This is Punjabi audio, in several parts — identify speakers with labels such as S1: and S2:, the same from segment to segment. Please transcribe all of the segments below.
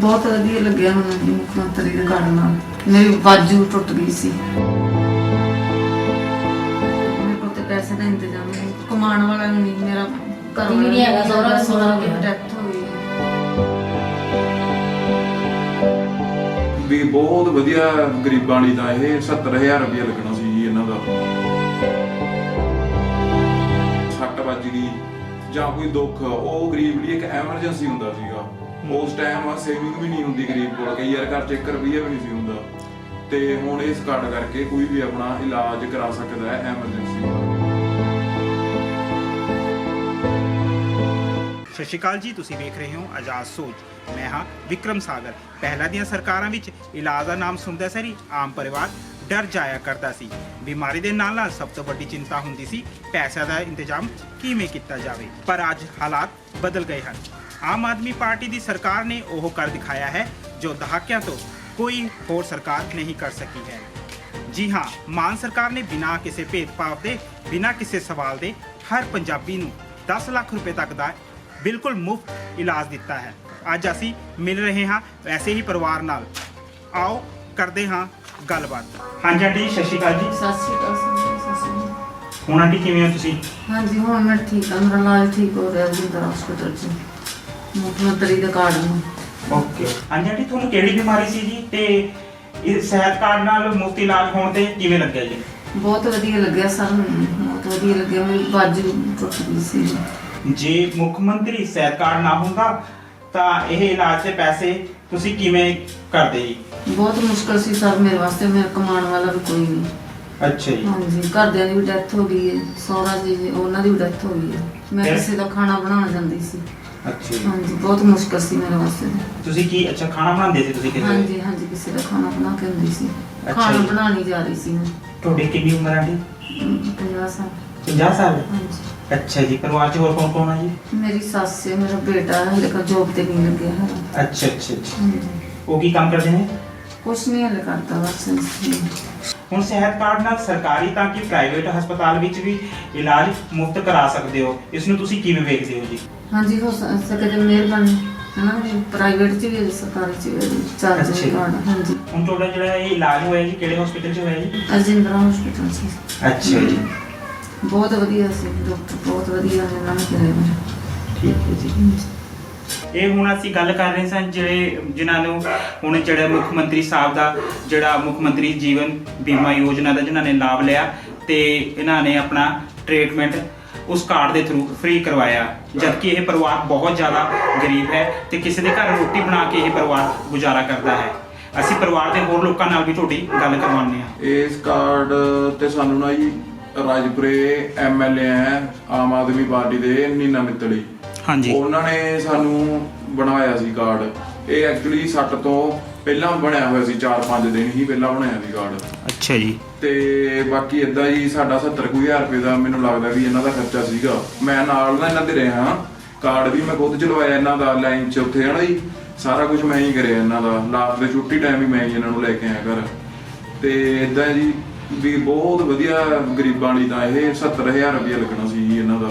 S1: बहुत वधिया लग्या मैनूं मुख्यमंत्री दे कार्ड नाल। मेरी बाजू टुट गई सी। मेरे कोल ते पैसे दा इंतजाम नहीं, कमाण वाला नहीं, मेरा घर वाला नहीं हैगा, सोहरा डेथ हो गई।
S2: भी बहुत वधिया गरीबां लई तां इह 70,000 रुपया लगना सी जी इन्हां दा। सੱਟ ਵੱਜ ਗਈ ਜਾਂ ਕੋਈ ਦੁੱਖ, ਉਹ ਗਰੀਬ ਲਈ ਇੱਕ ਐਮਰਜੈਂਸੀ ਹੁੰਦਾ ਸੀਗਾ। ਉਸ ਟਾਈਮ ਸੇਵਿੰਗ ਵੀ ਨਹੀਂ ਹੁੰਦੀ ਗਰੀਬ ਕੋਲ, ਕਈ ਯਾਰ ਘਰ 'ਚ 1 ਰੁਪਈਆ ਵੀ ਨਹੀਂ ਸੀ ਹੁੰਦਾ। ਤੇ ਹੁਣ ਇਸ ਕਾਰਡ ਕਰਕੇ ਕੋਈ ਵੀ ਆਪਣਾ ਇਲਾਜ ਕਰਾ ਸਕਦਾ ਹੈ ਐਮਰਜੈਂਸੀ।
S3: ਸਤਿ ਸ਼੍ਰੀ ਅਕਾਲ ਜੀ, ਤੁਸੀਂ ਵੇਖ ਰਹੇ ਹੋ ਆਜ਼ਾਦ ਸੋਚ। ਮੈਂ ਹਾਂ ਵਿਕਰਮ ਸਾਗਰ। ਪਹਿਲਾਂ ਦੀਆਂ ਸਰਕਾਰਾਂ ਵਿੱਚ ਇਲਾਜ ਦਾ ਨਾਮ ਸੁਣਦਾ ਸਾਰੀ ਆਮ ਪਰਿਵਾਰ ਡਰ ਜਾਇਆ ਕਰਦਾ ਸੀ। ਬਿਮਾਰੀ ਦੇ ਨਾਲ ਨਾਲ ਸਭ ਤੋਂ ਵੱਡੀ ਚਿੰਤਾ ਹੁੰਦੀ ਸੀ ਪੈਸਿਆਂ ਦਾ ਇੰਤਜ਼ਾਮ ਕਿਵੇਂ ਕੀਤਾ ਜਾਵੇ। ਪਰ ਅੱਜ ਹਾਲਾਤ ਬਦਲ ਗਏ ਹਨ। ਆਮ ਆਦਮੀ ਪਾਰਟੀ ਦੀ ਸਰਕਾਰ ਨੇ ਉਹ ਕਰ ਦਿਖਾਇਆ ਹੈ ਜੋ ਦਹਾਕਿਆਂ ਤੋਂ ਕੋਈ ਹੋਰ ਸਰਕਾਰ ਨਹੀਂ ਕਰ ਸਕੀ ਹੈ। ਜੀ ਹਾਂ, ਮਾਨ ਸਰਕਾਰ ਨੇ ਬਿਨਾਂ ਕਿਸੇ ਭੇਦਭਾਵ ਦੇ, ਬਿਨਾਂ ਕਿਸੇ ਸਵਾਲ ਦੇ ਹਰ ਪੰਜਾਬੀ ਨੂੰ 10 ਲੱਖ ਰੁਪਏ ਤੱਕ ਦਾ ਬਿਲਕੁਲ ਮੁਫਤ ਇਲਾਜ ਦਿੱਤਾ ਹੈ। ਅੱਜ ਅਸੀਂ ਮਿਲ ਰਹੇ ਹਾਂ ਐਸੇ ਹੀ ਪਰਿਵਾਰ ਨਾਲ। ਆਓ ਕਰਦੇ ਹਾਂ ਗੱਲਬਾਤ। ਹਾਂਜੀ ਆਂਟੀ, ਸਤਿ ਸ਼੍ਰੀ ਅਕਾਲ ਜੀ।
S1: सत श्री अकाल सत श्री अकाल।
S3: ਹੁਣ ਆਂਟੀ ਕਿਵੇਂ ਹੋ ਤੁਸੀਂ?
S1: हाँ जी हुण मैं ठीक हाँ, मेरा इलाज ठीक हो रहा जिंदर हॉस्पिटल च मुख्यमंत्री दे कार्ड नाल।
S3: ਓਕੇ। ਹਾਂਜੀ ਆਂਟੀ, ਤੁਹਾਨੂੰ ਕਿਹੜੀ ਬਿਮਾਰੀ ਸੀ ਜੀ ਤੇ ਇਹ ਸਿਹਤ ਕਾਰਡ ਨਾਲ ਮੁਫਤ ਇਲਾਜ ਹੋਣ ਤੇ ਕਿਵੇਂ ਲੱਗਿਆ ਜੀ?
S1: बहुत वधिया लग्या सर, मैनूं बहुत वधिया लग्या। मेरी बाजू टुट गई सी।
S3: ਜੇ ਮੁੱਖ ਮੰਤਰੀ ਸਿਹਤ ਕਾਰਡ ਨਾ ਹੁੰਦਾ ਤਾਂ ਇਹ ਇਲਾਜ ਦੇ ਪੈਸੇ ਤੁਸੀਂ ਕਿਵੇਂ ਕਰਦੇ ਜੀ?
S1: बहुत मुश्किल सी सर मेरे वास्ते, मेरा कमाने वाला भी कोई नहीं।
S3: ਅੱਛਾ ਜੀ।
S1: हाँ जी, घरदियां दी भी डेथ हो गई है, सौहरा जी उन्हां दी भी डेथ हो गई है। मैं
S3: फिर?
S1: किसी दा खाना बनाना जांदी सी।
S3: ਅੱਛਾ ਜੀ।
S1: हाँ जी, बहुत मुश्किल सी मेरे वास्ते।
S3: ਤੁਸੀਂ ਕੀ ਅੱਛਾ ਖਾਣਾ ਬਣਾਉਂਦੇ ਸੀ ਤੁਸੀਂ
S1: हाँ
S3: ਕਿਸੇ?
S1: जी हाँ जी, किसी दा खाना बना के आंदी सी।
S3: अच्छा
S1: खाना
S3: जी।
S1: बनानी जा रही सी मैं।
S3: ਤੁਹਾਡੀ ਕਿੰਨੀ ਉਮਰ ਆਂਟੀ?
S1: 50 साल।
S3: 50 ਸਾਲ।
S1: हाँ जी,
S3: ਅੱਛਾ ਜੀ। ਪਰਿਵਾਰ 'ਚ ਹੋਰ ਕੌਣ ਕੌਣ ਹੈ ਜੀ?
S1: मेरी सस है, मेरा बेटा है, लेकिन जॉब ते नहीं लगे है।
S3: ਅੱਛਾ ਅੱਛਾ ਅੱਛਾ।
S1: हाँ जी,
S3: ਉਹ ਕੀ ਕੰਮ ਕਰਦੇ ਨੇ?
S1: कुछ नहीं हले करता बस।
S3: ਹੁਣ ਸਿਹਤ ਕਾਰਡ ਨਾਲ ਸਰਕਾਰੀ ਤਾਂ ਕਿ ਪ੍ਰਾਈਵੇਟ ਹਸਪਤਾਲ ਵਿੱਚ ਵੀ ਇਲਾਜ ਮੁਫਤ ਕਰਾ ਸਕਦੇ ਹੋ। ਇਸ ਨੂੰ ਤੁਸੀਂ ਕਿਵੇਂ ਵੇਖਦੇ ਹੋ ਜੀ?
S1: हाँ जी, हो सके तो मेहरबानी है ना, प्राइवेट च भी सरकारी च भी चार्ज
S3: अच्छा।
S1: कार्ड। हाँ जी,
S3: ਹੁਣ ਤੁਹਾਡਾ ਜਿਹੜਾ ਇਹ ਇਲਾਜ ਹੋਇਆ ਜੀ ਕਿਹੜੇ ਹਸਪੀਟਲ 'ਚ ਹੋਇਆ ਜੀ?
S1: अजिंदरा हॉस्पिटल से।
S3: ਅੱਛਾ ਜੀ।
S1: बहुत वधिया सी डॉक्टर, बहुत वधिया उन्होंने कराया मेरा।
S3: ਠੀਕ ਹੈ ਜੀ। ਇਹ ਹੁਣ ਅਸੀਂ ਗੱਲ ਕਰ ਰਹੇ ਸਾਂ ਜਿਨ੍ਹਾਂ ਨੂੰ ਹੁਣ ਜਿਹੜਾ ਮੁੱਖ ਮੰਤਰੀ ਸਾਹਿਬ ਦਾ ਜਿਹੜਾ ਮੁੱਖ ਮੰਤਰੀ ਜੀਵਨ ਬੀਮਾ ਯੋਜਨਾ ਦਾ ਜਿਨ੍ਹਾਂ ਨੇ ਲਾਭ ਲਿਆ ਤੇ ਇਹਨਾਂ ਨੇ ਆਪਣਾ ਟ੍ਰੀਟਮੈਂਟ ਉਸ ਕਾਰਡ ਦੇ ਥਰੂ ਫ੍ਰੀ ਕਰਵਾਇਆ, ਜਦਕਿ ਇਹ ਪਰਿਵਾਰ ਬਹੁਤ ਜ਼ਿਆਦਾ ਗਰੀਬ ਹੈ ਤੇ ਕਿਸੇ ਦੇ ਘਰ ਰੋਟੀ ਬਣਾ ਕੇ ਇਹ ਪਰਿਵਾਰ ਗੁਜ਼ਾਰਾ ਕਰਦਾ ਹੈ। ਅਸੀਂ ਪਰਿਵਾਰ ਦੇ ਹੋਰ ਲੋਕਾਂ ਨਾਲ ਵੀ ਤੁਹਾਡੀ ਗੱਲ ਕਰਵਾਉਂਦੇ ਹਾਂ।
S2: ਇਸ ਕਾਰਡ ਤੇ ਸਾਨੂੰ ਨਾ ਜੀ ਰਾਜਪੁਰੇ ਐਮਐਲਏ ਹੈ ਆਮ ਆਦਮੀ ਪਾਰਟੀ ਦੇ ਨੀਨਾ ਮਿੱਤਲੀ,
S3: ਹਾਂਜੀ।
S2: ਉਹਨਾਂ ਨੇ ਸਾਨੂੰ ਬਣਾਇਆ ਸੀ ਕਾਰਡ। ਇਹ ਐਕਚੁਅਲੀ 60 ਤੋਂ ਪਹਿਲਾਂ ਬਣਿਆ ਹੋਇਆ ਸੀ, 4-5 ਦਿਨ ਹੀ ਪਹਿਲਾਂ ਬਣਾਇਆ ਸੀ ਕਾਰਡ।
S3: ਅੱਛਾ ਜੀ।
S2: ਤੇ ਬਾਕੀ ਇਦਾਂ ਜੀ ਸਾਡਾ 70,000 ਰੁਪਏ ਦਾ ਮੈਨੂੰ ਲੱਗਦਾ ਵੀ ਇਹਨਾਂ ਦਾ ਖਰਚਾ ਸੀਗਾ। ਮੈਂ ਨਾਲ ਨਾ ਇਹਨਾਂ ਦੇ ਰਿਹਾ, ਕਾਰਡ ਵੀ ਮੈਂ ਖੁਦ ਚਲਵਾਇਆ ਇਹਨਾਂ ਦਾ, ਲਾਈਨ 'ਚ ਉੱਥੇ ਹਨਾ ਜੀ, ਸਾਰਾ ਕੁਝ ਮੈਂ ਹੀ ਕਰਿਆ ਇਹਨਾਂ ਦਾ। ਲਾਸਟ ਦੇ ਛੁੱਟੀ ਟਾਈਮ ਵੀ ਮੈਂ ਹੀ ਇਹਨਾਂ ਨੂੰ ਲੈ ਕੇ ਆਇਆ ਘਰ। ਤੇ ਇਦਾਂ ਜੀ ਵੀ ਬਹੁਤ ਵਧੀਆ ਗਰੀਬਾਂ ਲਈ ਤਾਂ ਇਹ 70,000 ਰੁਪਇਆ ਲੱਗਣਾ ਸੀ ਜੀ ਇਹਨਾਂ ਦਾ,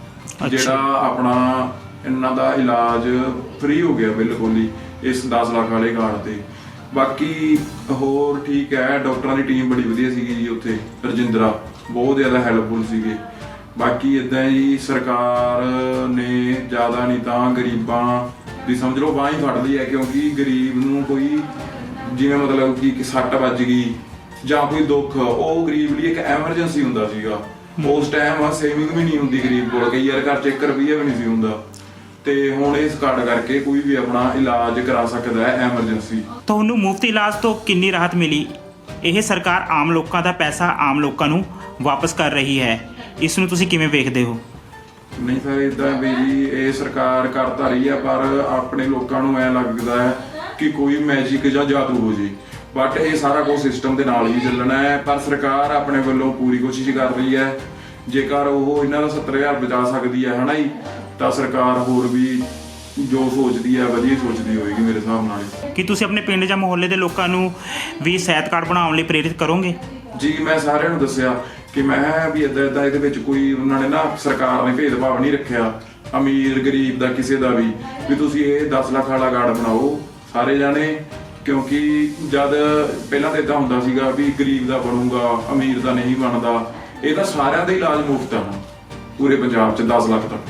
S2: ਜਿਹੜਾ ਆਪਣਾ ਇਹਨਾਂ ਦਾ ਇਲਾਜ ਫ੍ਰੀ ਹੋ ਗਿਆ ਬਿਲਕੁਲ ਹੀ ਇਸ 10 ਲੱਖ ਵਾਲੇ ਕਾਰਡ ਤੇ। ਬਾਕੀ ਹੋਰ ਠੀਕ ਹੈ, ਡਾਕਟਰਾਂ ਦੀ ਟੀਮ ਬੜੀ ਵਧੀਆ ਸੀਗੀ ਜੀ ਉੱਥੇ, ਰਜਿੰਦਰਾ ਬਹੁਤ ਜ਼ਿਆਦਾ ਹੈਲਪਫੁਲ ਸੀਗੇ। ਬਾਕੀ ਇਦਾਂ ਜੀ ਸਰਕਾਰ ਨੇ ਜ਼ਿਆਦਾ ਨਹੀਂ ਤਾਂ ਗਰੀਬਾਂ ਦੀ ਸਮਝ ਲਓ ਬਾਂਹ ਹੀ ਫੜ ਲਈ ਹੈ, ਕਿਉਂਕਿ ਗਰੀਬ ਨੂੰ ਕੋਈ ਜਿਵੇਂ ਮਤਲਬ ਕਿ ਸੱਟ ਵੱਜ ਗਈ ਜਾਂ ਕੋਈ ਦੁੱਖ, ਉਹ ਗਰੀਬ ਲਈ ਇੱਕ ਐਮਰਜੈਂਸੀ ਹੁੰਦਾ ਸੀਗਾ। ਉਸ ਟਾਈਮ ਸੇਵਿੰਗ ਵੀ ਨਹੀਂ ਹੁੰਦੀ ਗਰੀਬ ਕੋਲ, ਕਈ ਯਾਰ ਘਰ 'ਚ 1 ਰੁਪਈਆ ਵੀ ਨਹੀਂ ਸੀ ਹੁੰਦਾ। ਤੇ ਹੁਣ ਇਸ ਕਾਰਡ ਕਰਕੇ ਕੋਈ ਵੀ ਆਪਣਾ ਇਲਾਜ ਕਰਾ ਸਕਦਾ ਹੈ ਐਮਰਜੈਂਸੀ।
S3: ਤੁਹਾਨੂੰ ਮੁਫਤ ਇਲਾਜ ਤੋਂ ਕਿੰਨੀ ਰਾਹਤ ਮਿਲੀ? ਇਹ ਸਰਕਾਰ ਆਮ ਲੋਕਾਂ ਦਾ ਪੈਸਾ ਆਮ ਲੋਕਾਂ ਨੂੰ ਵਾਪਸ ਕਰ ਰਹੀ ਹੈ। ਇਸ ਨੂੰ ਤੁਸੀਂ ਕਿਵੇਂ ਵੇਖਦੇ ਹੋ?
S2: ਨਹੀਂ ਸਰ, ਇਦਾਂ ਵੀ ਜੀ ਇਹ ਸਰਕਾਰ ਕਰ ਤਾਂ ਰਹੀ ਹੈ, ਪਰ ਆਪਣੇ ਲੋਕਾਂ ਨੂੰ ਐਂ ਲੱਗਦਾ ਹੈ ਕਿ ਕੋਈ ਮੈਜਿਕ ਜਾਂ ਜਾਦੂ ਹੋ ਜੇ। ਬਟ ਇਹ ਸਾਰਾ ਕੁਝ ਸਿਸਟਮ ਦੇ ਨਾਲ ਹੀ ਚੱਲਣਾ ਹੈ, ਪਰ ਸਰਕਾਰ ਆਪਣੇ ਵੱਲੋਂ ਪੂਰੀ ਕੋਸ਼ਿਸ਼ ਕਰ ਰਹੀ ਹੈ। ਜੇਕਰ ਉਹ ਇਹਨਾਂ ਦਾ 70,000 ਬਚਾ ਸਕਦੀ ਹੈ ਹਨਾ ਜੀ, ਤਾਂ ਸਰਕਾਰ ਹੋਰ ਵੀ ਜੋ ਸੋਚਦੀ ਹੈ ਵਧੀਆ ਸੋਚਦੀ ਹੋਏਗੀ ਮੇਰੇ ਹਿਸਾਬ ਨਾਲ।
S3: ਕੀ ਤੁਸੀਂ ਆਪਣੇ ਪਿੰਡ ਜਾਂ ਮੁਹੱਲੇ ਦੇ ਲੋਕਾਂ ਨੂੰ ਵੀ ਸਿਹਤ ਕਾਰਡ ਬਣਾਉਣ ਲਈ ਪ੍ਰੇਰਿਤ ਕਰੋਗੇ?
S2: ਜੀ, ਮੈਂ ਸਾਰਿਆਂ ਨੂੰ ਦੱਸਿਆ ਕਿ ਮੈਂ ਵੀ ਇੱਦਾਂ ਇਹਦੇ ਵਿੱਚ ਕੋਈ ਉਹਨਾਂ ਨੇ ਨਾ ਸਰਕਾਰ ਨੇ ਭੇਦਭਾਵ ਨਹੀਂ ਰੱਖਿਆ ਅਮੀਰ ਗਰੀਬ ਦਾ ਕਿਸੇ ਦਾ ਵੀ ਤੁਸੀਂ ਇਹ 10 ਲੱਖ ਵਾਲਾ ਕਾਰਡ ਬਣਾਓ ਸਾਰੇ ਜਾਣੇ, ਕਿਉਂਕਿ ਜਦ ਪਹਿਲਾਂ ਤਾਂ ਇਦਾਂ ਹੁੰਦਾ ਸੀਗਾ ਵੀ ਗਰੀਬ ਦਾ ਬਣੂਗਾ, ਅਮੀਰ ਦਾ ਨਹੀਂ ਬਣਦਾ। ਇਹ ਤਾਂ ਸਾਰਿਆਂ ਦਾ ਇਲਾਜ ਮੁਫਤ ਆ ਪੂਰੇ ਪੰਜਾਬ 'ਚ 10 ਲੱਖ ਤੱਕ।